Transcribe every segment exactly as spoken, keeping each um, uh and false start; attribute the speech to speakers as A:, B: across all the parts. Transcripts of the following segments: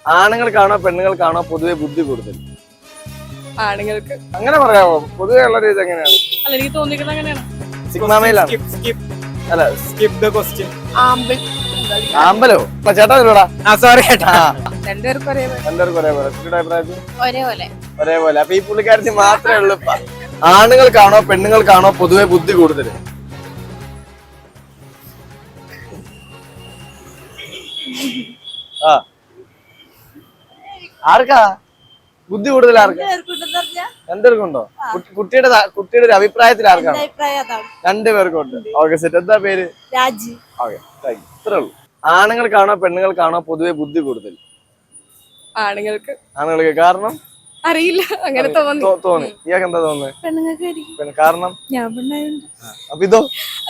A: ആണുങ്ങൾക്കാണോ പെണ്ണുങ്ങൾക്കാണോ പൊതുവെ ബുദ്ധി കൂടുതൽ?
B: ആണുങ്ങൾക്ക്.
A: അങ്ങനെ പറയാമോ? പൊതുവെ ഉള്ള രീതി എങ്ങനെയാണ്?
B: അല്ല, എനിക്ക് തോന്നിക്കുന്നത് അങ്ങനെയാണ്.
A: സിഗ്മയിലാണ്. അല്ല,
C: സ്കിപ്പ് ദ ക്വസ്റ്റ്യൻ.
B: ആമ്പിൾ.
A: ആമ്പലോ? ചേട്ടാ ഇതിലൂടാ.
C: ആ സോറി ചേട്ടാ.
B: രണ്ടുപേർക്കും ഒരേപോലെ.
A: രണ്ടുപേർക്കും ഒരേപോലെ. കുട്ടിയുടെ അഭിപ്രായത്തിൽ
B: ഒരേപോലെ.
A: ഒരേപോലെ. അപ്പൊ ഈ പുള്ളിക്കാരത്തി മാത്രമേ ഉള്ളൂ. ആണുങ്ങൾക്കാണോ പെണ്ണുങ്ങൾക്കാണോ പൊതുവെ ബുദ്ധി കൂടുതൽ? ആ ആർക്കാ ബുദ്ധി കൂടുതൽ? ആർക്കാ? രണ്ടുപേർക്കുണ്ടോ? കുട്ടിയുടെ കുട്ടിയുടെ ഒരു അഭിപ്രായത്തിൽ ആർക്കാണ്? രണ്ടുപേർക്കും ഉണ്ട്. Okay, set. എന്താ പേര്?
B: രാജി.
A: Okay, thank you. ഇത്രേ ഉള്ളൂ. ആണുങ്ങൾക്കാണോ പെണ്ണുങ്ങൾക്കാണോ പൊതുവെ ബുദ്ധി കൂടുതൽ?
B: ആണുങ്ങൾക്ക്.
A: ആണുങ്ങൾക്ക്. കാരണം
B: അറിയില്ല, അങ്ങനെ തോന്നി.
A: തോന്നി. ഇയാൾക്ക് എന്താ തോന്നുന്നത്?
B: പെണ്ണുങ്ങൾക്ക്.
A: കാരണം
B: ഞാൻ പെണ്ണായുണ്ട്.
A: അപ്പൊ ഇതോ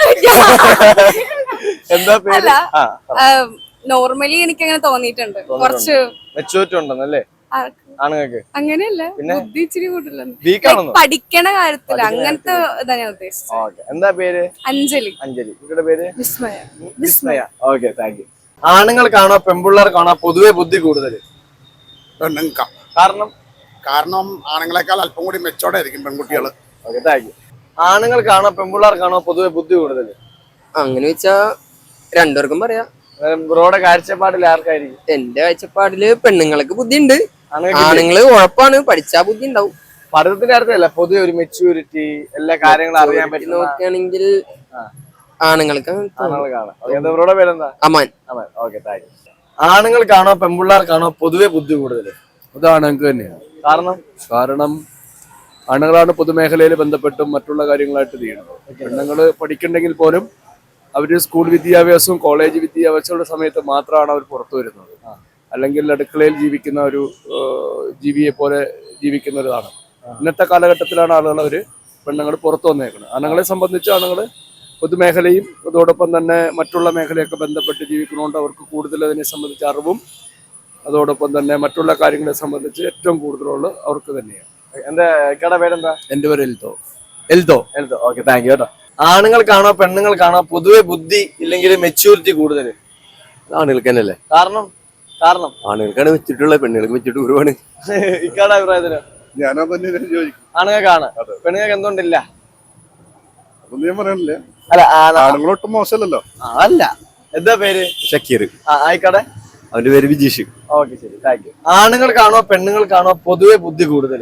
A: എന്താ പേര്?
B: നോർമലി എനിക്ക് അങ്ങനെ തോന്നിയിട്ടുണ്ട്. കുറച്ച്
A: മെച്ചൂരിറ്റി ഉണ്ടെന്നല്ലേ ആണുങ്ങൾക്ക്?
B: അങ്ങനെയല്ല, ബുദ്ധി ഇച്ചിരി കൂടുതലാണ്.
A: വീക്കാണെന്നോ?
B: പഠിക്കണ കാര്യത്തില് അങ്ങനത്തെ ഇതാ ഞാൻ ഉദ്ദേശിച്ചത്.
A: എന്താ പേര്?
B: അഞ്ജലി.
A: അഞ്ജലി. കുട്ടിയുടെ പേര്?
B: Vismaya.
A: Vismaya. Okay, thank you. ആണുങ്ങൾക്കാണോ പെൺപിള്ളേർക്കാണോ പൊതുവെ ബുദ്ധി കൂടുതൽ?
D: പെണ്ണുങ്ങൾക്കാ.
A: കാരണം?
D: കാരണം ആണുങ്ങളെക്കാൾ അല്പം കൂടി മെച്ചോടെ ആയിരിക്കും പെൺകുട്ടികൾ.
A: Okay, thank you. ആണുങ്ങൾക്കാണോ പെൺപിള്ളേർക്കാണോ പൊതുവെ ബുദ്ധി കൂടുതൽ?
E: അങ്ങനെ വെച്ചാ രണ്ടുപേർക്കും പറയാം.
A: ബ്രോയുടെ കാഴ്ചപ്പാടിൽ ആർക്കായിരിക്കും?
E: എന്റെ കാഴ്ചപ്പാടില് പെണ്ണുങ്ങൾക്ക് ബുദ്ധി ഉണ്ട്, ആണുങ്ങള് ഉഴപ്പാണ്, പഠിച്ചാ ബുദ്ധി ഉണ്ടാവും.
A: പഠിത്തത്തിന്റെ കാര്യത്തിലല്ല, പൊതുവെ ഒരു മെച്യൂരിറ്റി, എല്ലാ കാര്യങ്ങളും അറിയാൻ പറ്റും
E: നോക്കുകയാണെങ്കിൽ ആണുങ്ങൾക്ക്.
A: ബ്രോയുടെ പേരെന്താ?
E: Aman.
A: Aman. Okay, thank you. ആണുങ്ങൾക്കാണോ പെൺപിള്ളേർക്കാണോ പൊതുവെ ബുദ്ധി കൂടുതൽ?
F: അത് ആണുങ്ങൾക്ക് തന്നെയാണ്.
A: കാരണം?
F: കാരണം ആണുങ്ങളാണ് പൊതുമേഖലയിൽ ബന്ധപ്പെട്ടും മറ്റുള്ള കാര്യങ്ങളായിട്ട് ചെയ്യുന്നത്. പെണ്ണുങ്ങൾ പഠിക്കണ്ടെങ്കിൽ പോലും അവര് സ്കൂൾ വിദ്യാഭ്യാസവും കോളേജ് വിദ്യാഭ്യാസമുള്ള സമയത്ത് മാത്രമാണ് അവർ പുറത്തു വരുന്നത്. അല്ലെങ്കിൽ അടുക്കളയിൽ ജീവിക്കുന്ന ഒരു ജീവിയെ പോലെ ജീവിക്കുന്ന ഒരിതാണ്. ഇന്നത്തെ കാലഘട്ടത്തിലാണ് ആളുകൾ അവർ പെണ്ണുങ്ങൾ പുറത്തു വന്നേക്കുന്നത്. ആണുങ്ങളെ സംബന്ധിച്ച് ആണുങ്ങൾ പൊതുമേഖലയും അതോടൊപ്പം തന്നെ മറ്റുള്ള മേഖലയൊക്കെ ബന്ധപ്പെട്ട് ജീവിക്കുന്നതുകൊണ്ട് അവർക്ക് കൂടുതൽ അതിനെ സംബന്ധിച്ച് അറിവും അതോടൊപ്പം തന്നെ മറ്റുള്ള കാര്യങ്ങളെ സംബന്ധിച്ച് ഏറ്റവും കൂടുതലുള്ള അവർക്ക് തന്നെയാണ്.
A: എന്റെ കട പേരെന്താ?
F: എന്റെ പേര് Eldo. Eldo.
A: Eldo. Okay, thank you കേട്ടോ. ആണുങ്ങൾക്കാണോ പെണ്ണുങ്ങൾക്കാണോ പൊതുവെ ബുദ്ധി ഇല്ലെങ്കിൽ മെച്യൂരിറ്റി കൂടുതൽ?
G: ആണുങ്ങൾക്ക് തന്നെയല്ലേ.
A: കാരണം? കാരണം
G: ആണുങ്ങൾക്കാണ് വെച്ചിട്ടുള്ളത്, പെണ്ണുങ്ങൾക്ക് വെച്ചിട്ട് ഒരുപാട്.
A: ഇക്കാടെ അഭിപ്രായത്തില്
D: ഞാനോ തന്നെ ചോദിക്കും.
A: ആണുങ്ങൾക്കാണ്, പെണ്ണുങ്ങൾക്ക് എന്തുകൊണ്ടില്ല?
D: അതൊന്നും ഞാൻ പറയാനില്ല.
A: അല്ല,
D: ആണുങ്ങളൊട്ടും മോശമല്ലല്ലോ.
A: അല്ല. എന്താ പേര്?
G: ഷക്കീർ.
A: ആയിക്കോട്ടെ.
G: അവന്റെ പേര് വിജീഷ്.
A: ഓക്കെ, ശരി, താങ്ക് യു. ആണുങ്ങൾക്കാണോ പെണ്ണുങ്ങൾക്കാണോ പൊതുവെ ബുദ്ധി കൂടുതൽ?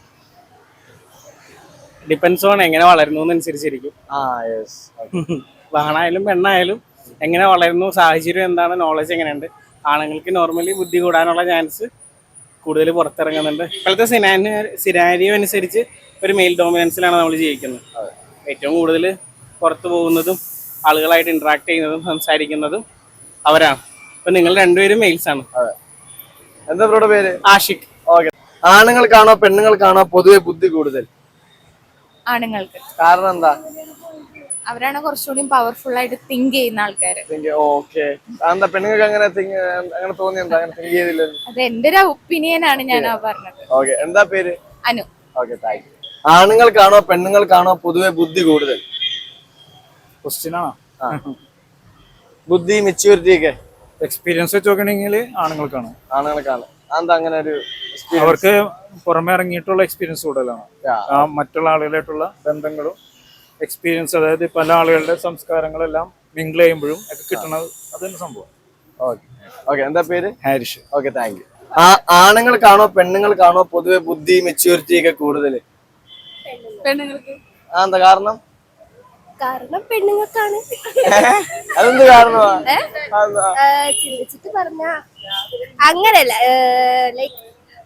C: ഡിപ്പെൻസ് ഓൺ എങ്ങനെ വളരുന്നു അനുസരിച്ചിരിക്കും. ആണായാലും പെണ്ണായാലും എങ്ങനെ വളരുന്നു, സാഹചര്യം എന്താണ്, നോളജ് എങ്ങനെയുണ്ട്. ആണുങ്ങൾക്ക് നോർമലി ബുദ്ധി കൂടാനുള്ള ചാൻസ് കൂടുതൽ പുറത്തിറങ്ങുന്നുണ്ട്. ഇപ്പോഴത്തെ സിനാരി സിനാരിയോ അനുസരിച്ച് ഒരു മെയിൽ ഡോമിനൻസിലാണ് നമ്മൾ ജീവിക്കുന്നത്. ഏറ്റവും കൂടുതൽ പുറത്തു പോകുന്നതും ആളുകളായിട്ട് ഇന്ററാക്ട് ചെയ്യുന്നതും സംസാരിക്കുന്നതും അവരാണ്. അപ്പൊ നിങ്ങൾ രണ്ടുപേരും മെയിൽസ് ആണ്.
A: എന്താ ബ്രോയുടെ പേര്?
C: ആഷിഖ്.
A: ഓക്കെ. ആണുങ്ങൾക്കാണോ പെണ്ണുങ്ങൾക്കാണോ പൊതുവെ ബുദ്ധി കൂടുതൽ?
B: ആണുങ്ങൾക്ക്.
A: കാരണം എന്താ?
B: അവരാണ് കുറച്ചുകൂടി പവർഫുൾ ആയിട്ട് തിങ്ക് ചെയ്യുന്ന ആൾക്കാര്.
A: ഓക്കെ. എന്താ പെണ്ണുങ്ങൾക്ക് അങ്ങനെ അങ്ങനെ തോന്നി? എന്താ അങ്ങനെ തിങ്ക് ചെയ്തില്ല?
B: അത് എന്റെ ഒരു ഒപ്പീനിയൻ ആണ് ഞാൻ പറഞ്ഞത്.
A: ഓക്കെ. എന്താ പേര്?
B: അനു.
A: Okay, thank you. ആണുങ്ങൾക്കാണോ പെണ്ണുങ്ങൾക്കാണോ പൊതുവെ ബുദ്ധി കൂടുതൽ?
C: ക്വസ്റ്റ്യൻ ആണോ?
A: ബുദ്ധി മെച്യൂരിറ്റി ഒക്കെ
C: എക്സ്പീരിയൻസ് വെച്ച് നോക്കണെങ്കിൽ ആണുങ്ങൾക്കാണ്.
A: ആണുങ്ങൾക്കാണ്. എന്താ അങ്ങനെ ഒരു?
C: അവർക്ക് പുറമെ ഇറങ്ങിയിട്ടുള്ള എക്സ്പീരിയൻസ് കൂടുതലാണ്. മറ്റുള്ള ആളുകളായിട്ടുള്ള ബന്ധങ്ങളും എക്സ്പീരിയൻസ്, അതായത് പല ആളുകളുടെ സംസ്കാരങ്ങളെല്ലാം മിംഗിൾ ചെയ്യുമ്പോഴും ഒക്കെ കിട്ടുന്നത് അതൊരു സംഭവം.
A: ഓക്കെ. ഓക്കെ. എന്താ പേര്?
C: ഹാരിഷ്.
A: Okay, thank you. ആണുങ്ങൾക്കാണോ പെണ്ണുങ്ങൾക്കാണോ പൊതുവെ ബുദ്ധി മെച്യൂരിറ്റി ഒക്കെ കൂടുതൽ?
B: പെണ്ണുങ്ങൾക്ക്.
A: ആ, എന്താ കാരണം?
B: കാരണം പെണ്ണുങ്ങൾക്കാണ്.
A: അതെന്ത് കാരണമാ?
B: ചിന്തിച്ചിട്ട് പറഞ്ഞ അങ്ങനെയല്ല, ലൈക്ക്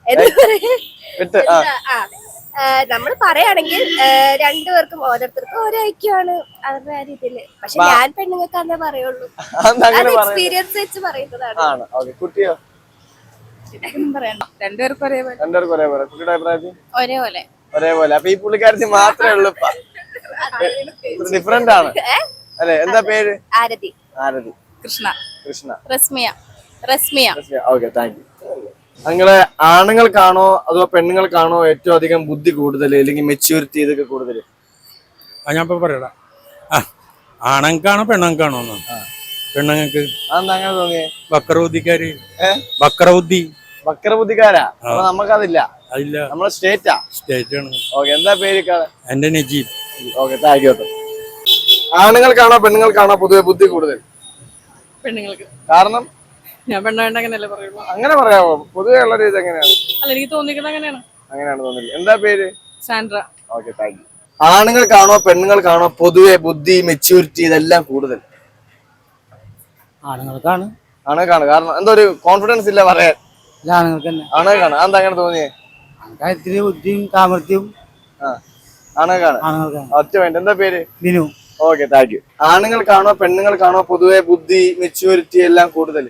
B: നമ്മൾ പറയുകയാണെങ്കിൽ രണ്ടുപേർക്കും ഓരോരുത്തർക്കും ഓരോ ഐക്യമാണ് അവരുടെ ആ രീതിയില്. പക്ഷെ ഞാൻ പെണ്ണുങ്ങൾക്കാന്നേ പറയുള്ളൂ. എക്സ്പീരിയൻസ് വെച്ച് പറയുന്നതാണ്.
A: കുട്ടിയോ?
B: പറയണ്ട, രണ്ടുപേർക്കും ഒരേപോലെ.
A: രണ്ടുപേർക്കും ഒരേപോലെ. കുട്ടിയുടെ അഭിപ്രായത്തിൽ
B: ഒരേപോലെ.
A: ഒരേപോലെ. അപ്പൊ ഈ പുള്ളിക്കാരത്തി മാത്രമേ ഉള്ളൂ. ഡിഫറെന്റ് ആണ് അല്ലെ? എന്താ പേര്?
B: Arathi.
A: Arathi.
B: Krishna.
A: Krishna.
B: Rasmiya. Rasmiya.
A: Okay, thank you. നിങ്ങള് ആണുങ്ങൾക്കാണോ അതോ പെണ്ണുങ്ങൾക്കാണോ ഏറ്റവും അധികം ബുദ്ധി കൂടുതൽ അല്ലെങ്കിൽ മെച്യൂരിറ്റി ഇതൊക്കെ കൂടുതൽ?
C: ഞാൻ ഇപ്പൊ പറയടാ, ആണുങ്ങൾക്കാണോ പെണ്ണുങ്ങൾക്കാണോ? പെണ്ണുങ്ങൾക്ക്.
A: അതെന്താ അങ്ങനെ തോന്നിയേ?
C: ബക്കറൗദ്ദിക്കാര്. ബക്കറൗദ്ദി
A: വക്രബുദ്ധിക്കാരാ അപ്പൊ നമുക്കതില്ല.
H: അതില്ല,
A: നമ്മളെ സ്റ്റേറ്റാ.
H: സ്റ്റേറ്റ് ആണ്.
A: ഓക്കെ, എന്താ പേര്?
H: എന്റെ നജീബ്.
A: Okay, thank you. ആണുങ്ങൾക്കാണോ പെണ്ണുങ്ങൾക്കാണോ പൊതുവെ ബുദ്ധി കൂടുതൽ?
I: പെണ്ണുങ്ങൾക്ക്.
A: കാരണം
I: ഞാൻ പെണ്ണായിട്ട് അങ്ങനെയല്ലേ പറയുള്ളൂ.
A: അങ്ങനെ പറയാമോ? പൊതുവെ ഉള്ള രീതി എങ്ങനെയാണ്?
I: അല്ല, എനിക്ക് തോന്നിക്കുന്നത് അങ്ങനെയാണ്.
A: അങ്ങനെയാണ് തോന്നില്ല. എന്താ പേര്?
I: സാൻഡ്ര.
A: Okay, thank you. ആണുങ്ങൾക്കാണോ പെണ്ണുങ്ങൾക്കാണോ പൊതുവെ ബുദ്ധി മെച്യൂരിറ്റി ഇതെല്ലാം കൂടുതൽ?
C: ആണുങ്ങൾക്കാണ്.
A: ആണുങ്ങൾക്കാണ്. കാരണം എന്തോ ഒരു കോൺഫിഡൻസ് ഇല്ല പറയാൻ.
C: ആണുങ്ങൾക്ക് തന്നെ.
A: ആണുങ്ങൾക്കാണ്. അതെന്താ അങ്ങനെ തോന്നിയേ?
C: കാര്യത്തില് ബുദ്ധിയും സാമർഥ്യവും
A: ആ, ആണുങ്ങൾക്കാണ്.
C: ആണുങ്ങൾക്കാണ്.
A: ഒറ്റ വേണ്ട. എന്താ പേര്?
C: ബിനു.
A: Okay, thank you. ആണുങ്ങൾക്കാണോ പെണ്ണുങ്ങൾക്കാണോ പൊതുവെ ബുദ്ധി മെച്യൂരിറ്റി എല്ലാം കൂടുതൽ?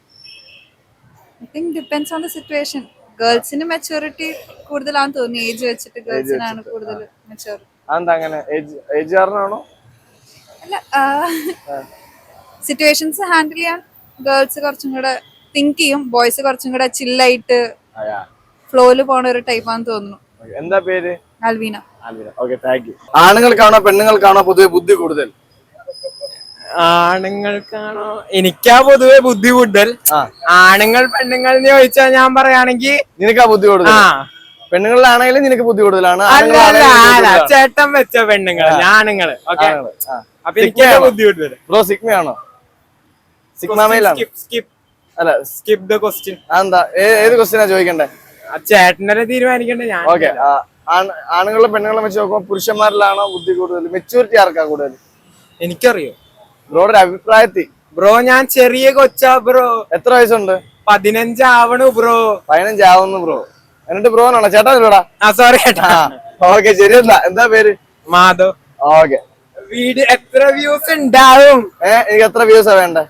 J: I think depends on the situation. ഗേൾസിന് മെച്ചൂരിറ്റി കൂടുതലാണെന്ന് തോന്നി. ഏജ് വെച്ചിട്ട് ഗേൾസിനാണ് കൂടുതൽ മെച്ചൂരിറ്റി.
A: അതെന്താ അങ്ങനെ? ഏജ് ഏജ് കാരണമാണോ?
J: അല്ല, സിറ്റുവേഷൻസ് ഹാൻഡിൽ ചെയ്യാൻ ഗേൾസ് കുറച്ചും കൂടെ തിങ്ക് ചെയ്യും. ബോയ്സ് കുറച്ചും കൂടെ ചില്ലായിട്ട് ഫ്ലോയില് പോണ ഒരു ടൈപ്പാന്ന് തോന്നുന്നു.
A: എന്താ പേര്?
J: ആൽവീന.
A: Okay, thank you. ആണുങ്ങൾക്കാണോ പെണ്ണുങ്ങൾക്കാണോ പൊതുവെ ബുദ്ധി കൂടുതൽ?
E: ആണുങ്ങൾക്കാണോ? എനിക്കാ പൊതുവെ ബുദ്ധി കൂടുതൽ. ആണുങ്ങൾ പെണ്ണുങ്ങൾ എന്ന് ചോദിച്ചാൽ ഞാൻ പറയുകയാണെങ്കിൽ
A: നിനക്കാ ബുദ്ധി കൂടുതൽ. പെണ്ണുങ്ങളിലാണെങ്കിലും നിനക്ക് ബുദ്ധി കൂടുതലാണ്.
E: അല്ല അല്ല അല്ല ചേട്ടൻ വെച്ച പെണ്ണുങ്ങൾ ആണുങ്ങള്. ഓക്കെ, അപ്പൊ എനിക്ക് ബുദ്ധി കൂടുതൽ.
A: ബ്രോ സിഗ്മയാണോ? സിഗ്മയിലാണ്.
E: സ്കിപ്പ്
A: അല്ല,
E: സ്കിപ്പ് ദ ക്വസ്റ്റ്യൻ.
A: അതെന്താ? ഏത് ക്വസ്റ്റ്യനാ ചോദിക്കണ്ടേ?
E: ചേട്ടനെ തീരുമാനിക്കണ്ടേ ഞാൻ.
A: ഓക്കെ, ആണുങ്ങളും പെണ്ണുങ്ങളും വെച്ച് നോക്കുമ്പോൾ പുരുഷന്മാരിലാണോ ബുദ്ധി കൂടുതൽ? മെച്യൂരിറ്റി ആർക്കാ കൂടുതൽ?
E: എനിക്കറിയോ
A: ബ്രോയുടെ അഭിപ്രായത്തിൽ?
E: ബ്രോ ഞാൻ ചെറിയ കൊച്ചാ ബ്രോ.
A: എത്ര വയസ്സുണ്ട്?
E: പതിനഞ്ചാവണു ബ്രോ.
A: പതിനഞ്ചാവുന്നു ബ്രോ. എന്നിട്ട് ബ്രോനാണോ? ചേട്ടാ ഇല്ലടാ.
E: ആ സോറി ചേട്ടാ.
A: ഓക്കെ, ശരി. എന്താ എന്താ പേര്?
E: മാധവ്.
A: ഓക്കെ.
E: വീഡിയോ എത്ര വ്യൂസ് ഉണ്ടാവും?
A: ഏഹ് എനിക്ക് എത്ര വ്യൂസാ വേണ്ടേ?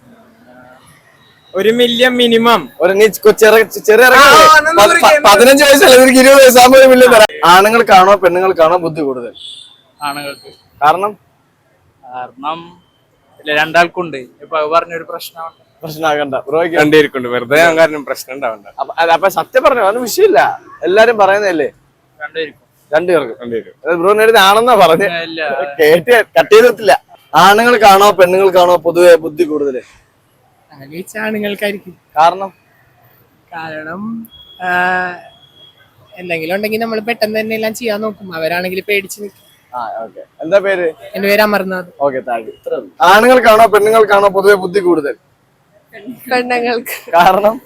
E: ഒരു മില്യൺ മിനിമം.
A: ഒരു നീ ചെറിയ ചെറിയ പതിനഞ്ച് വയസ്സല്ല, നിനക്ക് ഇരുപത് വയസ്സാകുമ്പോൾ ഒരു മില്യൺ തരാം. ആണുങ്ങൾക്കാണോ പെണ്ണുങ്ങൾക്കാണോ ബുദ്ധി കൂടുതൽ?
C: ആണുങ്ങൾക്ക്.
A: കാരണം
C: കാരണം രണ്ടാൾക്കുണ്ട്. ഇപ്പൊ പറഞ്ഞൊരു പ്രശ്നമാണ്.
A: പ്രശ്നമാകണ്ട ബ്രോയ്ക്ക്.
E: രണ്ടുപേർക്കുണ്ട്. വെറുതെ കാരണം പ്രശ്നം ഉണ്ടാവണ്ട.
A: അപ്പൊ സത്യം പറഞ്ഞു, അതൊന്നും വിഷയമില്ല. എല്ലാരും പറയുന്നതല്ലേ?
C: രണ്ടുപേർക്കും.
A: രണ്ടുപേർക്കും രണ്ടുപേരും ബ്രോ നേരത്തെ ആണെന്നാ പറഞ്ഞ് കേട്ട് കട്ട് ചെയ്തിട്ടില്ല. ആണുങ്ങൾക്കാണോ പെണ്ണുങ്ങൾക്കാണോ പൊതുവെ ബുദ്ധി കൂടുതൽ?
E: ആണുങ്ങൾക്കായിരിക്കും.
A: കാരണം
E: കാരണം എന്തെങ്കിലും ഉണ്ടെങ്കിൽ നമ്മൾ പെട്ടെന്ന് തന്നെ എല്ലാം ചെയ്യാൻ നോക്കും. അവരാണെങ്കിൽ പേടിച്ച് നിൽക്കും.
A: എന്താ പേര്?
E: എന്റെ പേര് അമർനാഥ്.
A: Okay, thank you. ആണുങ്ങൾക്കാണോ പെണ്ണുങ്ങൾക്കാണോ പൊതുവെ ബുദ്ധി കൂടുതൽ?
B: പെണ്ണുങ്ങൾക്ക്.
A: കാരണം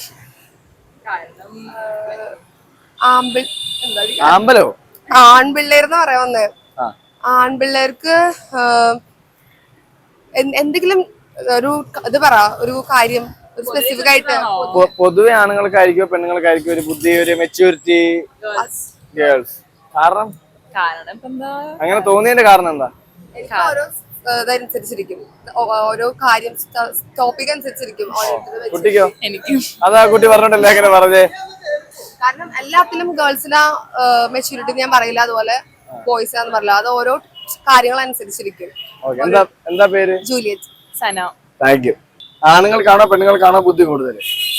A: ആമ്പലോ?
B: ആൺപിള്ളേർന്ന് പറയാൻ വന്നേ. ആൺപിള്ളേർക്ക് എന്തെങ്കിലും ഒരു ഇത് പറ, ഒരു കാര്യം സ്പെസിഫിക് ആയിട്ട്.
A: പൊതുവെ ആണുങ്ങൾക്കായിരിക്കോ പെണ്ണുങ്ങൾക്കായിരിക്കും ഒരു ബുദ്ധി, ഒരു മെച്യൂരിറ്റി? ഗേൾസ്. കാരണം
I: കാരണം ഇപ്പൊ എന്താ
A: അങ്ങനെ തോന്നിയതിന്റെ കാരണം എന്താ?
B: ഓരോ ഇതനുസരിച്ചിരിക്കും, ഓരോ കാര്യം ടോപ്പിക് അനുസരിച്ചിരിക്കും.
A: കുട്ടിക്കോ?
I: എനിക്കും.
A: അതാ കുട്ടി പറഞ്ഞിട്ടല്ലേ അങ്ങനെ പറഞ്ഞേ?
B: കാരണം എല്ലാത്തിലും ഗേൾസിനാ മെച്യൂരിറ്റി ഞാൻ പറയില്ല, അതുപോലെ ബോയ്സിനാന്ന് പറയില്ല. അത് ഓരോ കാര്യങ്ങൾ അനുസരിച്ചിരിക്കും.
A: എന്താ എന്താ പേര്?
B: ജൂലിയറ്റ്.
I: സന.
A: Thank you. ആണുങ്ങൾക്കാണോ പെണ്ണുങ്ങൾക്കാണോ ബുദ്ധി കൂടുതൽ?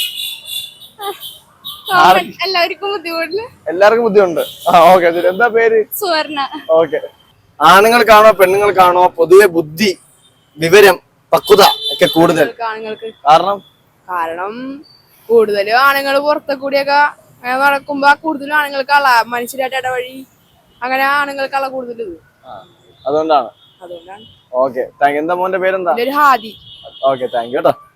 B: എല്ലാവർക്കും ബുദ്ധിമുട്ടില്ല.
A: എല്ലാവർക്കും ബുദ്ധിയുണ്ട്. ആ ഓക്കെ, ശരി. എന്താ പേര്?
B: സുവർണ.
A: ഓക്കെ. ആണുങ്ങൾക്കാണോ പെണ്ണുങ്ങൾക്കാണോ പൊതുവെ ബുദ്ധി, വിവരം, പക്വത ഒക്കെ കൂടുതൽ?
B: ആണുങ്ങൾക്ക്.
A: കാരണം
B: കാരണം കൂടുതലും ആണുങ്ങൾ പുറത്തെ കൂടിയൊക്കെ നടക്കുമ്പോ കൂടുതലും ആണുങ്ങൾക്കുള്ള മനുഷ്യരായിട്ട് ഇടവഴി അങ്ങനെ ആണുങ്ങൾക്കുള്ള കൂടുതൽ ഇത്.
A: അതുകൊണ്ടാണ്.
B: അതുകൊണ്ടാണ്.
A: Okay, thank you. എന്താ മോന്റെ പേരെന്താ?
B: ഹാദി.
A: ഓക്കെ, താങ്ക് യു കേട്ടോ.